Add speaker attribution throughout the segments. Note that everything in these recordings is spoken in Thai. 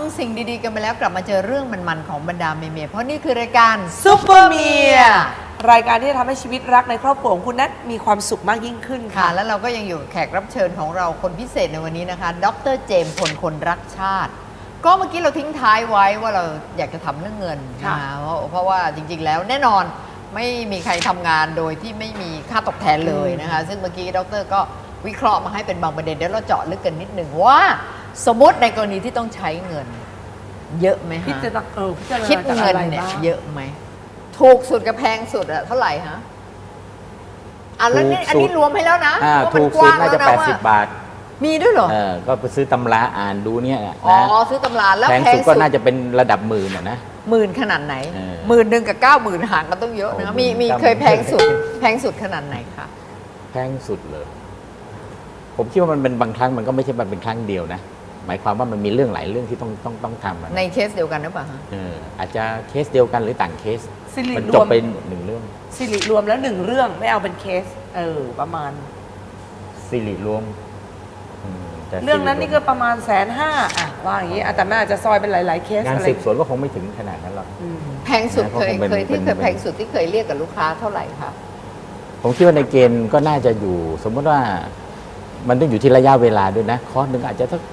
Speaker 1: สิ่งดีๆกันไปแล้วกลับมาเจอเรื่องมันๆของบรรดาเมียๆเพราะนี่คือรายการ
Speaker 2: ซุปเปอร์เมียรายการที่จะทำให้ชีวิตรักในครอบครัวของคุณนั้นมีความสุขมากยิ่งขึ้น
Speaker 1: ค่ะ
Speaker 2: ค่ะ
Speaker 1: แล้วเราก็ยังอยู่แขกรับเชิญของเราคนพิเศษในวันนี้นะคะ ดร. เจมส์พลคนรักชาติ ก็เมื่อกี้เราทิ้งท้ายไว้ว่าเราอยากจะทำเรื่องเงินนะคะเพราะว่าจริงๆแล้วแน่นอนไม่มีใครทำงานโดยที่ไม่มีค่าตอบแทนเลยนะคะซึ่งเมื่อกี้ดร. ก็วิเคราะห์มาให้เป็นบางประเด็นเดี๋ยวเราเจาะลึกกันนิดหนึ่งว่าสมมติในกรณีที่ต้องใช้เงินเยอะไหม
Speaker 2: พี่
Speaker 1: ฮะ
Speaker 2: จะ
Speaker 1: คิด
Speaker 2: คิดเงิ
Speaker 1: เงิ
Speaker 2: น
Speaker 1: น
Speaker 2: เนี่
Speaker 1: เนี่ย ย
Speaker 2: เย
Speaker 1: เย
Speaker 2: อะ
Speaker 1: อะไหมถูกสุดกับแพงสุดอะเท่าไหร่ฮะแล้วนี่อันนี้รวมให้แล้วนะว่า
Speaker 3: ถู
Speaker 1: มัน
Speaker 3: ก
Speaker 1: ก
Speaker 3: สุด
Speaker 1: ว้าง
Speaker 3: น่า
Speaker 1: แล้ว
Speaker 3: จะ
Speaker 1: นะว่า
Speaker 3: 80 บาท
Speaker 1: มีด้วยเหรอ
Speaker 3: ก็ไปซื้อตำราอ่านดูเนี่ยนะ
Speaker 1: อ๋อซื้อตำราแล้ว
Speaker 3: แพง
Speaker 1: แพง
Speaker 3: สุด
Speaker 1: สุ
Speaker 3: ก็
Speaker 1: ด
Speaker 3: น่าจะเป็นระดับหมื่นนะ
Speaker 1: หมื่นขนาดไหน 10,000กับ90,000ห่างกันต้องเยอะนะ
Speaker 3: โอ้
Speaker 1: มี
Speaker 3: 90,000
Speaker 1: เคยแพงสุดแพงสุดขนาดไหนคะ
Speaker 3: แพงสุดเลย ผมคิดว่ามันเป็นบางครั้งมันก็ไม่ใช่เป็นครั้งเดียวนะ หมายความว่ามันมีเรื่องหลายเรื่องที่ต้องทำอะนะ
Speaker 1: ในเคสเดียวกันหรือเปล่าฮะ
Speaker 3: อาจจะเคสเดียวกันหรือต่างเคส
Speaker 2: สิริ
Speaker 3: มัน
Speaker 2: ร
Speaker 3: จ
Speaker 2: ว
Speaker 3: บ
Speaker 2: ม
Speaker 3: ไปหนึ่งเรื่อง
Speaker 2: สิริรวมแล้ว1เรื่องไม่เอาเป็นเคสประมาณ
Speaker 3: สิริรวมแต่
Speaker 2: เรื่องนั้น
Speaker 3: สิ
Speaker 2: นี่ก็ประมาณ150,000อ่ะว่าอย่างนี้แต่แม่อาจจะซอยเป็นหลายๆเคส
Speaker 3: งาน
Speaker 2: อะไร
Speaker 3: สืบสวนก็คงไม่ถึงขนาดนั้นหรอก
Speaker 1: แพงสุด
Speaker 3: นะเพราะ
Speaker 1: เคย
Speaker 3: ผมเป็น
Speaker 1: ที่เคย
Speaker 3: เป็น
Speaker 1: แพงสุดที่เคยเรียกกับลูกค้าเท่าไหร่คะ
Speaker 3: ผมคิดว่าในเกณฑ์ก็น่าจะอยู่ สมมติว่ามันต้องอยู่ที่ระยะเวลาด้วยนะคอร์สหนึ่งอาจจะสัก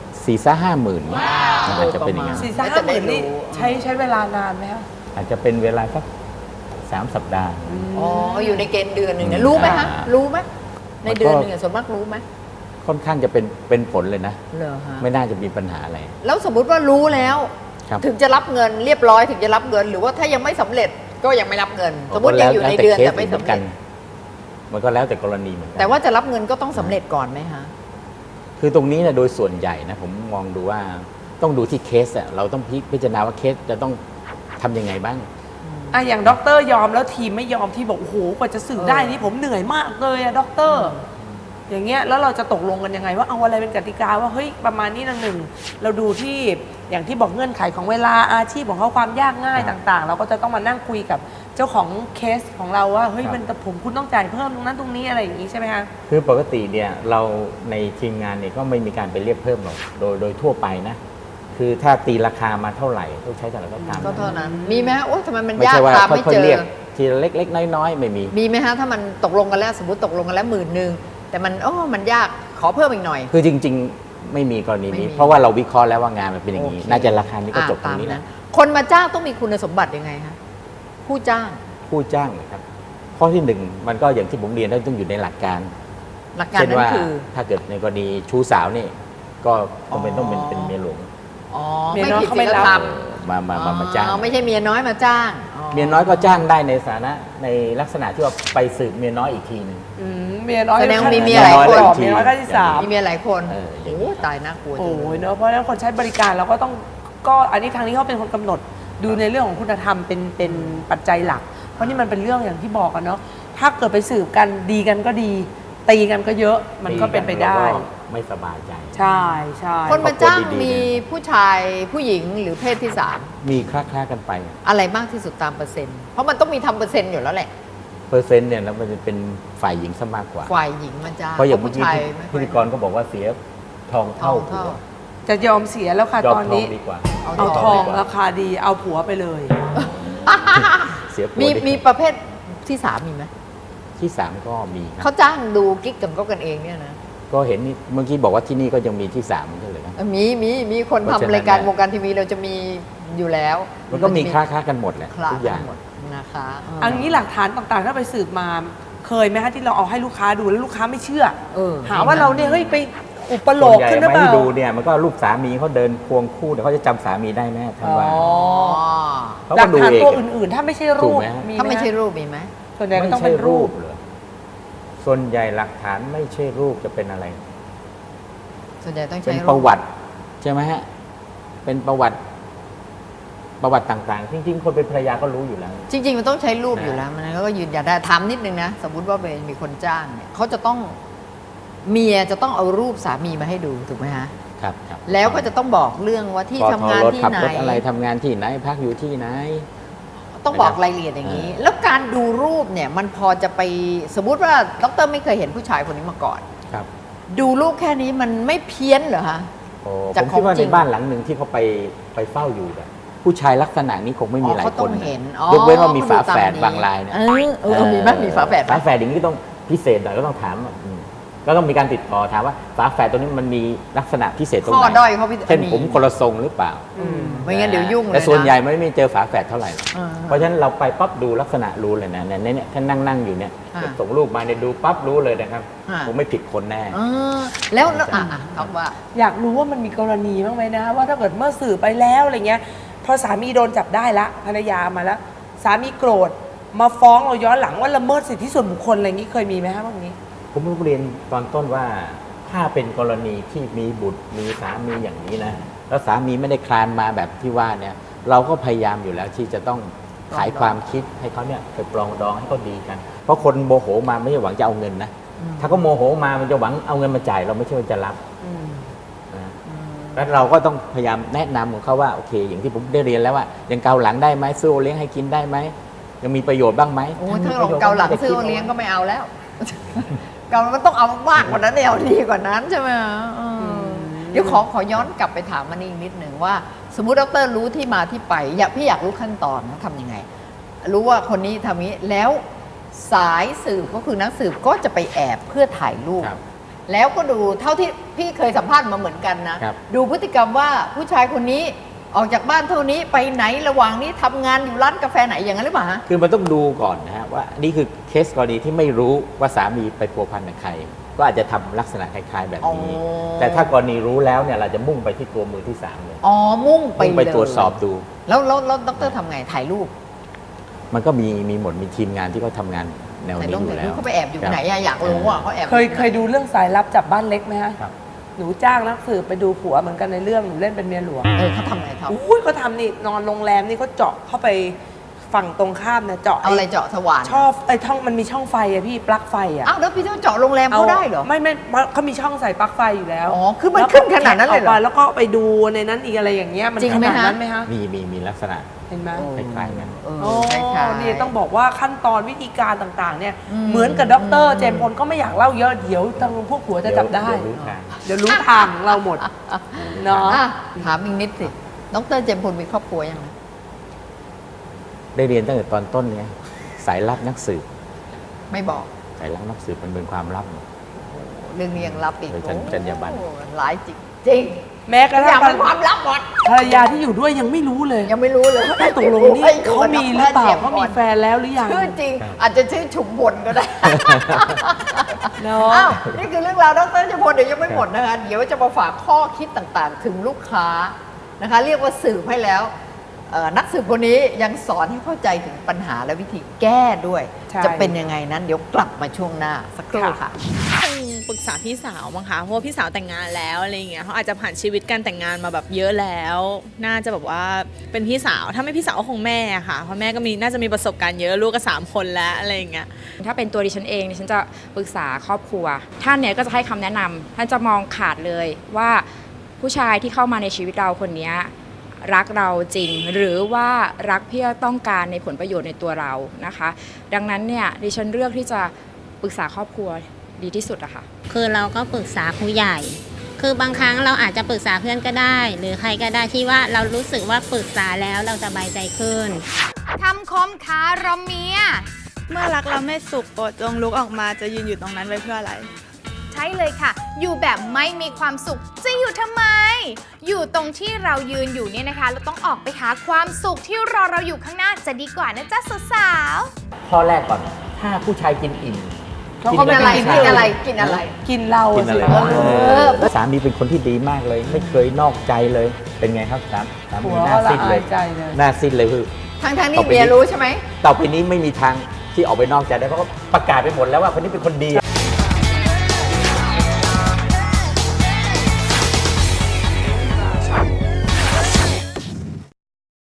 Speaker 3: 4-50,000มันอาจจะเป็นอย่างนั้น
Speaker 2: 4-50,000นี่ใช้เวลานานไหมคะ
Speaker 3: อาจจะเป็นเวลาสัก3 สัปดาห์
Speaker 1: อ๋ออยู่ในเกณฑ์เดือนหนึ่งเนี่ยรู้ไหมฮะรู้ไหมในเดือนหนึ่งอะส่วนมากรู้ไหม
Speaker 3: ค่อนข้างจะเป็นผลเลยนะ
Speaker 1: เหรอฮะ
Speaker 3: ไม่น่าจะมีปัญหาอะไร
Speaker 1: แล้วสมมุติว่ารู้แล้ว
Speaker 3: ครับ
Speaker 1: ถึงจะรับเงินเรียบร้อยถึงจะรับเงิน หรือว่าถ้ายังไม่สำเร็จก็ยังไม่รับเงิน สมมติยังอยู่ในเดือนแต่ไม่สำเร็จ
Speaker 3: มันก็แล้วแต่กรณีเหมือนกั
Speaker 1: แต่ว่าจะรับเงินก็ต้องสำเร็จก่อนไหมฮะ
Speaker 3: คือตรงนี้เนี่ยโดยส่วนใหญ่นะผมมองดูว่าต้องดูที่เคสอะเราต้องพิจารณาว่าเคสจะต้องทำยังไงบ้าง
Speaker 2: อย่างด็อกเตอร์ยอมแล้วทีมไม่ยอมที่บอกโอ้โหกว่าจะสื่อได้นี่ผมเหนื่อยมากเลยอะด็อกเตอร์อย่างเงี้ยแล้วเราจะตกลงกันยังไงว่าเอาอะไรเป็นกติกาว่าเฮ้ยประมาณนี้นะหนึ่งเราดูที่อย่างที่บอกเงื่อนไขของเวลาอาชีพของเขาความยากง่ายต่างๆ เราก็จะต้องมานั่งคุยกับเจ้าของเคสของเราว่าเฮ้ยมันแต่ผมคุณต้องจ่ายเพิ่มตรงนั้นตรงนี้อะไรอย่างงี้ใช่ไหมคะ
Speaker 3: คือปกติเนี่ยเราในทีมงานเนี่ยก็ไม่มีการไปเรียกเพิ่มหรอกโดยทั่วไปนะ คือถ้าตีราคามาเท่าไหร่ต้องใช้เท่าไหร่ก็ตาม
Speaker 1: ก็เท่านั้น มีไหมฮะโอ้ทำไมมัน
Speaker 3: ไม่
Speaker 1: ยาก
Speaker 3: ใช่ว่า
Speaker 1: ตามไม่
Speaker 3: ค่อย
Speaker 1: เจ
Speaker 3: ๆ
Speaker 1: อ
Speaker 3: เรียกทีละเล็กๆน้อยๆไม่มี
Speaker 1: มีไหมฮะถ้ามันตกลงกันแล้วสมมติตกลงกันแล้ว10,000แต่มันมันยากขอเพิ่มอีกหน่อย
Speaker 3: คือจริงๆไม่มีกรณี
Speaker 1: ไม่
Speaker 3: นี้
Speaker 1: มี
Speaker 3: เพราะว่าเราวิเคราะห์แล้วว่างานมันเป็นอย่างนี้
Speaker 1: โอเค
Speaker 3: น่าจะราคานี้ก็จบตร
Speaker 1: ตาง ม
Speaker 3: นี้แห
Speaker 1: นั้
Speaker 3: ละ
Speaker 1: นคนมาจ้างต้องมีคุณสมบัติยังไงฮะผู้จ้าง
Speaker 3: ผู้จ้างนะครับข้อที่หนึ่งมันก็อย่างที่ผมเรียนต้องอยู่ในหลักการ
Speaker 1: หลักการ
Speaker 3: เช่น
Speaker 1: นั้น
Speaker 3: ว่า
Speaker 1: คือ
Speaker 3: ถ้าเกิดในกรณีชู้สาวนี่ก็ต้องเป็นเมียหลวง
Speaker 1: อ๋อ
Speaker 2: เมีย
Speaker 1: ไม่
Speaker 2: น้อย
Speaker 1: ผิด
Speaker 2: เขา
Speaker 1: ศี
Speaker 2: ไม่
Speaker 1: ล
Speaker 2: รับ
Speaker 1: ธรรม
Speaker 3: มาจ้าง
Speaker 1: ไม่ใช่เมียน้อยมาจ้าง
Speaker 3: เมียน้อยก็จ้างได้ในฐานะในลักษณะที่ว่าไปสืบเมียน้อยอีกทีหนึง
Speaker 2: เมียน้อย
Speaker 1: แสดง
Speaker 2: ขั้น
Speaker 1: มีเมียหลายคน
Speaker 2: เมียน้อยขั้นที่สาม
Speaker 1: มีเมียหลายคน
Speaker 3: อย่าง
Speaker 1: โอ้
Speaker 3: นี้
Speaker 1: ตายน่ากลัวจั
Speaker 2: โอ้
Speaker 1: งเลย
Speaker 2: ยเนอะเพราะฉะนั้นคนใช้บริการเราก็ต้องก็อันนี้ทางนี้เขาเป็นคนกำหนดดูในเรื่องของคุณธรรมเป็นปัจจัยหลัก เพราะนี่มันเป็นเรื่องอย่างที่บอกกันเนาะถ้าเกิดไปสืบกันดีกันก็ดี ตีกันก็เยอะมันก็เป็นไปได้
Speaker 3: เราก็ไม่สบายใจ
Speaker 2: ใช่ใช่
Speaker 1: คนมาจ้าง
Speaker 3: ครอบครัวดีๆ
Speaker 1: มีผู้ชายผู้หญิงหรือเพศที่สาม
Speaker 3: มีคล้าๆกันไป
Speaker 1: อะไรมากที่สุดตามเปอร์เซ็นต์เพราะมันต้องมีทำเปอร์เซ็นต์อยู่แล้วแหละ
Speaker 3: เปอร์เซ็นต์เนี่ยแล้วมันจะเป็นฝ่ายหญิงซะมากกว่า
Speaker 1: ฝ่ายหญิงมาจ้าง
Speaker 3: เพราะอย่างเมื่อ
Speaker 1: ผู้
Speaker 3: กี้
Speaker 1: ชายไม่ค่
Speaker 3: พิ
Speaker 1: อย
Speaker 3: ธีกรก็บอกว่าเสียทอง
Speaker 1: ทอ
Speaker 3: เท่าง ผั
Speaker 1: เท่า
Speaker 3: ว
Speaker 2: จะยอมเสียแล้วค่ะ
Speaker 3: ยอม
Speaker 2: ตอน
Speaker 3: ทอง
Speaker 2: นี้
Speaker 3: ดีกว่า
Speaker 2: เอาทอง
Speaker 3: ดีกว่า
Speaker 2: ราคาดีเอาผัวไปเลย
Speaker 3: เสียผัว
Speaker 1: มี
Speaker 3: ดีกว่า
Speaker 1: มีประเภทที่สามมีไหม
Speaker 3: ที่สามก็มีค
Speaker 1: เขา
Speaker 3: รับ
Speaker 1: จ้างดูกิ๊กกันเองเนี่ยนะ
Speaker 3: ก็เห็นนี่เมื่อกี้บอกว่าที่นี่ก็ยังมีที่สามเหมือนกันเลยนะ
Speaker 1: มีคน
Speaker 3: เพราะฉะนั้น
Speaker 1: ทำรายการ
Speaker 3: เนี่ยว
Speaker 1: งการทีวีเราจะมีอยู่แล้ว
Speaker 3: มันก็มีคล้าๆกันหมดแหละ
Speaker 1: คลา
Speaker 3: ทุกอย่าง
Speaker 1: หมดนะคะ
Speaker 2: อันนี้หลักฐานต่างๆ ถ้าไปสืบมาเคยไหมคะที่เราเอาให้ลูกค้าดูแล้วลูกค้าไม่เชื่อ หาว่าเราเนี่ยเฮ้ยไปอุปโล
Speaker 3: ส่วน
Speaker 2: ก
Speaker 3: ใหญ่
Speaker 2: ขึ้นหรือ
Speaker 3: ไม่
Speaker 2: เป
Speaker 3: ให้
Speaker 2: ล่า
Speaker 3: ดูเนี่ยมันก็รูปสามีเขาเดินควงคู่เดี๋ยวเขาจะจำสามีได้ไหมท่านว่า
Speaker 1: อ๋อ
Speaker 3: เขา
Speaker 2: หลั
Speaker 3: ก็
Speaker 2: ก
Speaker 3: ดู
Speaker 2: ฐาน
Speaker 3: เอง
Speaker 2: ตัวอื่นๆ ถ้าไม่ใช่รู
Speaker 3: ถู
Speaker 2: ป
Speaker 3: กไหมฮะ
Speaker 1: ถ้าไม่ใช่
Speaker 2: ห
Speaker 1: รูปมีไหม
Speaker 2: ส่วนใหญ่ก็
Speaker 3: ไม่
Speaker 2: ต้อง
Speaker 3: ใช่
Speaker 2: เป็นรู
Speaker 3: รู
Speaker 2: ป
Speaker 3: ปเหรอส่วนใหญ่หลักฐานไม่ใช่รูปจะเป็นอะไร
Speaker 1: ส่วนใหญ่ต้อง
Speaker 3: เป็
Speaker 1: ใช้
Speaker 3: น
Speaker 1: รูป
Speaker 3: ประวัติใช่ไหมฮะเป็นประวัติต่างๆจริงๆคนเป็นภรรยาก็รู้อยู่แล้ว
Speaker 1: จริง ๆ มันต้องใช้รูปอยู่แล้วมันก็ยืนยันได้ถามนิดนึงนะสมมุติว่ามีคนจ้างเนี่ยเขาจะต้องเมียจะต้องเอารูปสามีมาให้ดูถูกไหมฮะ
Speaker 3: ครับ
Speaker 1: แล้วก็จะต้องบอกเรื่องว่าที่
Speaker 3: ปอ
Speaker 1: ทำงาน
Speaker 3: รถ
Speaker 1: ที่
Speaker 3: ขับ
Speaker 1: ไหน
Speaker 3: รถอะไรทำงานที่ไหนพักอยู่ที่ไหน
Speaker 1: ต้องบอกรายละเอียดอย่างนี้ แล้วการดูรูปเนี่ยมันพอจะไปสมมุติว่าดรไม่เคยเห็นผู้ชายคนนี้มาก่อน
Speaker 3: ครับ
Speaker 1: ดูรูปแค่นี้มันไม่เพี้ยนเหรอฮะ
Speaker 3: โอ้
Speaker 1: จา
Speaker 3: ผ
Speaker 1: ก
Speaker 3: มคิดว่า
Speaker 1: ของจริ
Speaker 3: ใน
Speaker 1: ง
Speaker 3: บ้านหลังหนึ่งที่เขาไปเฝ้าอยู่เนี่ยผู้ชายลักษณะนี้คงไม่มีหลาย
Speaker 1: เขา
Speaker 3: ค
Speaker 1: ต้อน ง
Speaker 3: นะ
Speaker 1: เห็น
Speaker 3: ยกเว้นว่ามีฝาแฝดบางรายนะ
Speaker 1: มีไหมมีฝาแฝดไหม
Speaker 3: ฝาแฝดอย่างนี้ต้องพิเศษหน่อยก็ต้องถามก็ต้องมีการติดต่อถามว่าฝาแฝดตัวนี้มันมีลักษณะพิเศษตรงไหน
Speaker 1: ข้อด้อยเขาพิเศษ
Speaker 3: เช่นผมคนละทรงหรือเปล่า
Speaker 1: ไม่งั้นเดี๋ยวยุ่งเลย
Speaker 3: แต่ส่วน
Speaker 1: นะ
Speaker 3: ใหญ่ไม่มีเจอฝาแฝดเท่าไหร่หรอก
Speaker 1: อ่า
Speaker 3: เพราะฉะนั้นเราไปปั๊บดูลักษณะรู้เลยนะเนี่ยท่านนั่งอยู่เนี่ย
Speaker 1: อ่า
Speaker 3: ส่งรูปมาเนี่ยดูปั๊บรู้เลยนะครับ
Speaker 1: อ่า
Speaker 3: ผมไม่ผิดคนแน่
Speaker 1: แล้วคำว่า
Speaker 2: อยากรู้ว่ามันมีกรณีบ้างไหมนะว่าถ้าเกิดเมื่อสื่อไปแล้วอะไรเงี้ยพอสามีโดนจับได้ละภรรยามาแล้วสามีโกรธมาฟ้องเราย้อนหลังว่าละเมิดสิทธิส่วนบุคคลอะไรอย่างนี้เคยมีไหมคะบ้างนี้
Speaker 3: ผมเรียนตอนต้นว่าถ้าเป็นกรณีที่มีบุตรมีสามีอย่างนี้นะแล้วสามีไม่ได้คลานมาแบบที่ว่าเนี่ยเราก็พยายามอยู่แล้วที่จะต้องขายความคิดให้เขาเนี่ยไปปรองดองให้เขาดีกัน เพราะคนโมโหมาไม่ใช่หวังจะเอาเงินนะถ้าเขาโมโหมามันจะหวังเอาเงินมาจ่ายเราไม่ใช่ว่าจะรับนะแล้วเราก็ต้องพยายามแนะนำของเขาว่าโอเค อย่างที่ผมได้เรียนแล้วว่ายังเกาหลังได้ไหมซื้อโอเลี้ยงให้กินได้ไหมยังมีประโยชน์บ้างไหม
Speaker 1: โอ้ถ้าลงเกาหลังซื้อโอเลี้ยงก็ไม่เอาแล้ว เกามันต้องเอามากกว่านั้นเอาดีกว่านั้นใช่ไหมเดี๋ยวขอย้อนกลับไปถามมันอีกนิดหนึ่งว่า สมมุติดรรู้ที่มาที่ไปพี่อยากรู้ขั้นตอนนะทำยังไง รู้ว่าคนนี้ทำนี้แล้วสายสืบก็คือนักสืบก็จะไปแอบเพื่อถ่ายรูป
Speaker 3: ครับ
Speaker 1: แล้วก็ดูเท่าที่พี่เคยสัมภาษณ์มาเหมือนกันนะครับ ดูพฤติกรรมว่าผู้ชายคนนี้ออกจากบ้านเท่านี้ไปไหนระหว่างนี้ทำงานอยู่ร้านกาแฟไหนอย่างนั้นหรือเปล่าฮะ
Speaker 3: คือมันต้องดูก่อนนะฮะว่านี่คือเคสกรณีที่ไม่รู้ว่าสามีไปพัวพันกับใคร ก็อาจจะทำลักษณะคล้ายๆแบบนี้
Speaker 1: อ๋อ
Speaker 3: แต่ถ้ากรณีรู้แล้วเนี่ยเราจะมุ่งไปที่ตัวมือที่สามเลย
Speaker 1: อ๋อมุ่งไป
Speaker 3: มุ่งไป
Speaker 1: เลย
Speaker 3: ตรวจสอบดู
Speaker 1: แล้วดรทำไงถ่ายรูป
Speaker 3: มันก็มีหมดมีทีมงานที่เขาทำงานแนว
Speaker 1: ถ่าย
Speaker 3: นี้
Speaker 1: รูป
Speaker 3: อยู่
Speaker 1: ถ่าย
Speaker 3: แล้
Speaker 1: รูป
Speaker 3: ว
Speaker 1: เขาไปแอบอยู่ไหนอะอยากรู้อะเขาแอบ
Speaker 2: เคยดูเรื่องสายลับจับบ้านเล็กไหมฮะ
Speaker 3: ครับ
Speaker 2: หนูจ้างนักสืบไปดูผัวเหมือนกันในเรื่องหนูเล่นเป็นเมียหลวง
Speaker 1: เขาทำไงเขา
Speaker 2: อุ้ยเขาทำนี่นอนโรงแรมนี่เขาเจาะเข้าไปฝั่งตรงข้ามเนี่ยเจาะ
Speaker 1: เอาอะไรเจาะสว่าน
Speaker 2: ช่อช่องมันมีช่องไฟอะพี่ปลั๊กไฟอะ
Speaker 1: อ้าวแล้วพี่ต้องเจาะโรงแรมเขาได้เหรอ
Speaker 2: ไม่เขามีช่องใส่ปลั๊กไฟอยู่แล้ว
Speaker 1: อ๋อคือมันขึ้นขนาดนั้นเลยเหรอ
Speaker 2: แล้วก็ไปดูในนั้นอีกอะไรอย่างเงี้ยมัน
Speaker 1: จริง
Speaker 2: ข
Speaker 1: ไหม
Speaker 2: นาด
Speaker 1: ฮะ
Speaker 2: นั้นไหมฮะ
Speaker 3: มีลักษณะ
Speaker 2: เห็นไหม
Speaker 3: คล้ายๆกัน
Speaker 2: โอ้
Speaker 1: คล้ายๆ
Speaker 2: นี่ต้องบอกว่าขั้นตอนวิธีการต่างๆ เนี่ย
Speaker 1: อืม
Speaker 2: เหมือนกับดรเจมส์พลก็ไม่อยากเล่าเยอะเดี๋ยวทางพวกผัวจะจับได้
Speaker 3: เดี๋ยวรู้ทาง
Speaker 2: เดี๋ยวรู้ทางเราหมดเนาะ
Speaker 1: อ่ะถามอีกนิดสิดรเจมส์พลมีครอบครัวยัง
Speaker 3: ได้เรียนตั้งแต่ตอนต้นเนี่ยสายลับนักสืบ
Speaker 1: ไม่บอก
Speaker 3: สายลับนักสืบมันเป็นความลับ
Speaker 1: เรื่องนี้ยังลับอีก
Speaker 3: โดยจรรยาบรรณ
Speaker 1: โอ้หลายจริงจริง
Speaker 2: แม้กระ
Speaker 1: อ
Speaker 2: ทั่
Speaker 1: ย่าง งเป็นความลับหมด
Speaker 2: ภรรยาที่อยู่ด้วยยังไม่รู้เลย
Speaker 1: ยังไม่รู้เลย
Speaker 2: ว่าตกลงนี่เขามีหรือเปล่าเขามีแฟนแล้วหรือยัง
Speaker 1: ชื่อจริง อาจจะชื่อฉุมพลก็ได้
Speaker 2: เนาะ
Speaker 1: อ้าวนี่คือเรื่องราวดรเจมส์พลเดี๋ยวยังไม่หมดนะคะเดี๋ยวจะมาฝากข้อคิดต่างๆ ถึงลูกค้านะคะเรียกว่าสืบให้แล้วนักสืบคนนี้ยังสอนให้เข้าใจถึงปัญหาและวิธีแก้ด้วย
Speaker 2: ใช่
Speaker 1: จะเป็นยังไงนั้นเดี๋ยวกลับมาช่วงหน้าสักครู่ค่ะ
Speaker 4: คงปรึกษาพี่สาวมั้งคะเพราะว่าพี่สาวแต่งงานแล้วอะไรอย่างเงี้ยเขาอาจจะผ่านชีวิตการแต่งงานมาแบบเยอะแล้ว น่าจะแบบว่าเป็นพี่สาวถ้าไม่พี่สาวก็คงแม่อะค่ะเพราะแม่ก็น่าจะมีประสบการณ์เยอะลูกก็3 คนแล้วอะไรอย่างเงี้ย
Speaker 5: ถ้าเป็นตัวดิฉันเองดิฉันจะปรึกษาครอบครัวท่านเนี่ยก็จะให้คำแนะนำท่านจะมองขาดเลยว่าผู้ชายที่เข้ามาในชีวิตเราคนเนี้ยรักเราจริง หรือว่ารักเพื่อต้องการในผลประโยชน์ในตัวเรานะคะ ดังนั้นเนี่ยดิฉันเลือกที่จะปรึกษาครอบครัวดีที่สุดอะค่ะ
Speaker 6: คือเราก็ปรึกษาผู้ใหญ่ คือบางครั้งเราอาจจะปรึกษาเพื่อนก็ได้ หรือใครก็ได้ที่ว่าเรารู้สึกว่าปรึกษาแล้วเราสบายใจขึ้น
Speaker 7: คำคมคารมเมีย
Speaker 8: เมื่อรักเราไม่สุขโปรดจงลุกออกมาจะยืนอยู่ตรงนั้นไว้เพื่ออะไร
Speaker 7: ใช่เลยค่ะ อยู่แบบไม่มีความสุข จะอยู่ทำไม อยู่ตรงที่เรายืนอยู่เนี่ยนะคะ เราต้องออกไปหาความสุขที่รอเราอยู่ข้างหน้าจะดีกว่านะจ๊ะสาว
Speaker 3: ข้อแรกก่อน ถ้าผู้ชายกินอิ่ม
Speaker 1: กินอะไรกินอะไรกินอะไร
Speaker 2: กินเรา
Speaker 3: กิน
Speaker 2: สิ
Speaker 3: อะไร
Speaker 1: อ
Speaker 3: สามีเป็นคนที่ดีมากเลย ไม่เคยนอกใจเลย เป็นไงครับสามี
Speaker 2: ผัว
Speaker 3: หน้า
Speaker 2: ก็ละ
Speaker 3: ซีดเล
Speaker 2: อาย ยใจเลย
Speaker 3: หน้าซีดเลยคือ
Speaker 1: ทั้งนี่เมียรู้ใช่ไหม
Speaker 3: ต่อไปนี้ไม่มีทางที่ออกไปนอกใจได้เพราะเขาประกาศไปหมดแล้วว่าคนนี้เป็นคนดี